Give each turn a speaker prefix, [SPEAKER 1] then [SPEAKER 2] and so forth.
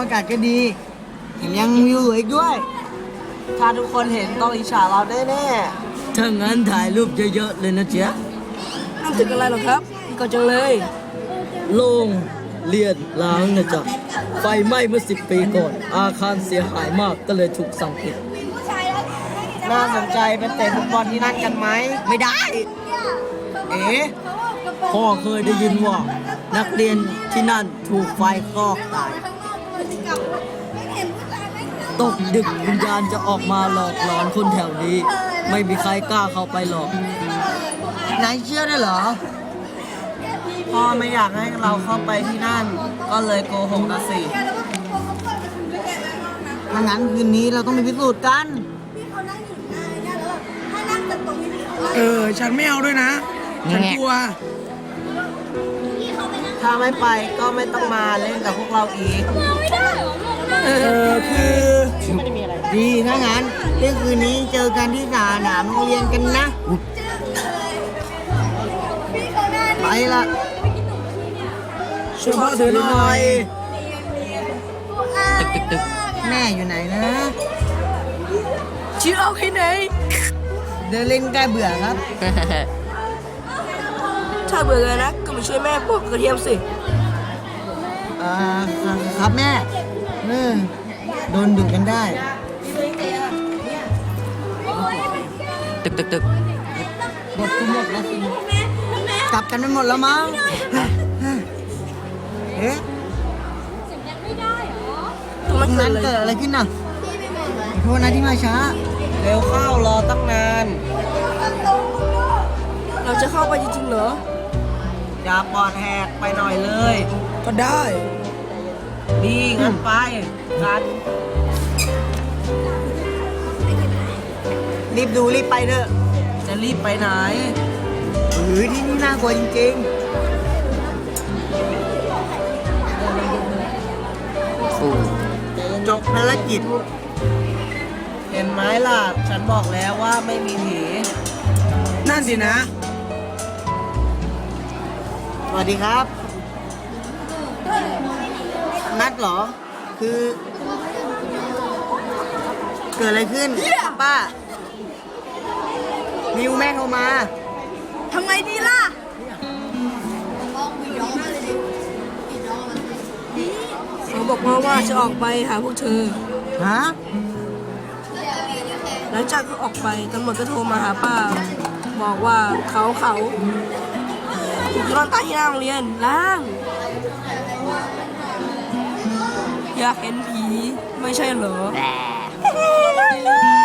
[SPEAKER 1] อากาศก็ดีแถมยังวิวสวยอีกด้วย
[SPEAKER 2] ถ้าทุกคนเห็นต้องอิจฉาเราแน่
[SPEAKER 1] ถ้างั้นถ่ายรูปเยอะๆเลยนะเจ๊ะ
[SPEAKER 2] ๆทำถึงอะไรหรอครับก็จังเลย
[SPEAKER 1] โล่งเรียนล้างนะจ๊ะไฟไหม้เมื่อ10 ปีก่อน อาคารเสียหายมากก็เลยถูกสั่งปิด
[SPEAKER 2] น่าสนใจไปเตะฟุตบอลที่นั่นกันไหม
[SPEAKER 1] ไม่ได้
[SPEAKER 2] เอ๋
[SPEAKER 1] พ่อเคยได้ยินว่า นักเรียนที่นั่นถูกไฟคลอกตาย ตกดึกวิญญาณจะออกมาหลอกหลอนคนแถวนี้ ไม่มีใครกล้าเข้าไปหรอกนายเชื่อได้เหรอ
[SPEAKER 2] พ่อไม่อยากให้เราเข้าไปที่นั่น ก็เลยโกหกนะสิ
[SPEAKER 1] ถ้างั้นคืนนี้เราต้องไปพิสูจน์กัน
[SPEAKER 3] ฉันไม่เอาด้วยนะ ฉันกลัว
[SPEAKER 2] ถ้าไม่ไปก็ไม่ต้องมาเล่นกับพวกเราอีก
[SPEAKER 3] คือ
[SPEAKER 1] ดีถ้างั้นเที่ยงคืนนี้เจอกันที่สนามโรงเรียนกันนะ ไปละ
[SPEAKER 3] ช่วยพ่อถือหน่อย
[SPEAKER 1] ตึกแม่อยู่ไหนนะ
[SPEAKER 2] ชิเอาที่ไหน
[SPEAKER 1] เดินเล่นใกล้เบื่อครับ
[SPEAKER 2] ถ้าเบื่อเลยนะก็มาช่วยแม่ปอกกระเทียมสิ
[SPEAKER 1] ครับแม่โดนดุกันได้
[SPEAKER 4] ตึก
[SPEAKER 1] หมดทุกหมดแล้วสิกลับกันไม่หมดแล้วมั้งเอ๊ะ
[SPEAKER 2] ตรง
[SPEAKER 1] ต
[SPEAKER 2] นั้
[SPEAKER 1] ร
[SPEAKER 2] น
[SPEAKER 1] ง
[SPEAKER 2] เกิ
[SPEAKER 1] นั้
[SPEAKER 2] ด
[SPEAKER 1] น
[SPEAKER 2] เลย
[SPEAKER 1] เกิดอะไรขึ้นน่ะขอโทษนะที่มาช้า
[SPEAKER 2] เร็วเข้ารอตั้งนาน เราจะเข้าไปจริงๆเหรอ อย่าปอดแหกไปหน่อยเลย
[SPEAKER 3] ก็ได้
[SPEAKER 2] ดีงั้นไปกัน
[SPEAKER 1] รีบดูรีบไปเถอะ
[SPEAKER 2] จะรีบไปไหน
[SPEAKER 1] ที่นี่น่ากลัวจริง
[SPEAKER 4] ฟู
[SPEAKER 1] ๆ จบภารกิจ
[SPEAKER 2] เห็นไหมล่ะ ฉันบอกแล้วว่าไม่มีผี
[SPEAKER 3] นั่นสินะ
[SPEAKER 1] สวัสดีครับ นัดเหรอ คือ เกิดอะไรขึ้น ป้า นิวแม่โทรมา
[SPEAKER 2] ทำไงดีล่ะ เขาบอกว่าจะออกไปหาพวกเธอ
[SPEAKER 1] ฮะ
[SPEAKER 2] หลังจากเขาออกไปตำรวจก็โทรมาหาป้า บอกว่าเขาถูกนอนตายที่หน้าโรงเรียนล้าง อยากเห็นผีไม่ใช่เหรอ
[SPEAKER 4] แบ